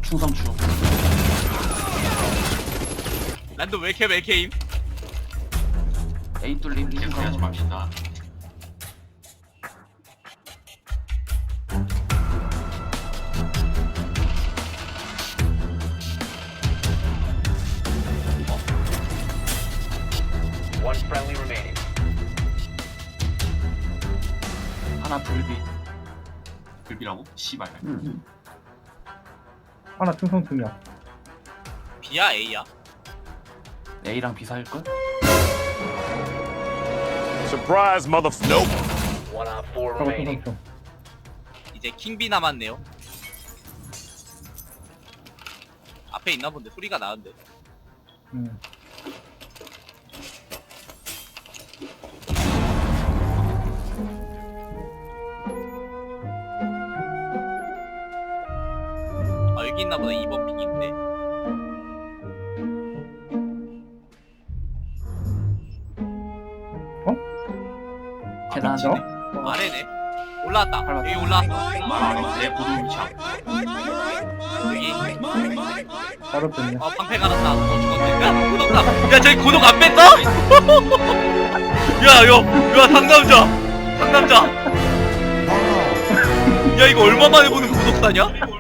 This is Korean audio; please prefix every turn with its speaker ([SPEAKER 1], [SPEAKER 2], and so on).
[SPEAKER 1] 충성추.
[SPEAKER 2] 난도 왜 이렇게 맥케임?
[SPEAKER 1] A 뚫림
[SPEAKER 3] 이렇게
[SPEAKER 1] 충성.
[SPEAKER 3] 하지 맙시다.
[SPEAKER 4] One friendly remaining.
[SPEAKER 1] 하나 불비.
[SPEAKER 3] 불비라고? 씨발.
[SPEAKER 5] 하나 충성 중이야.
[SPEAKER 2] B야 A야?
[SPEAKER 1] A랑 B 사일걸?
[SPEAKER 6] Surprise, motherfucker. Nope.
[SPEAKER 4] One op 4
[SPEAKER 5] 저거
[SPEAKER 4] remaining.
[SPEAKER 5] 충성 중.
[SPEAKER 2] 이제 킹비 남았네요. 앞에 있나 본데 소리가 나는데. 아 여기 있나 보다. 2번 핑인데.
[SPEAKER 1] 계단.
[SPEAKER 5] 그쵸?
[SPEAKER 2] 아래네. 올라왔다.
[SPEAKER 1] 밟았다.
[SPEAKER 2] 여기 올라왔어.
[SPEAKER 3] 말하러 내 보도 위치.
[SPEAKER 2] 여기.
[SPEAKER 5] 바로 뺐네.
[SPEAKER 2] 방패 갈았다. 죽었네. 야 고독다. 야 저기 고독 안 뺐어? 야 상남자. 상남자. 야 이거 얼마 만에 보는 고독사냐?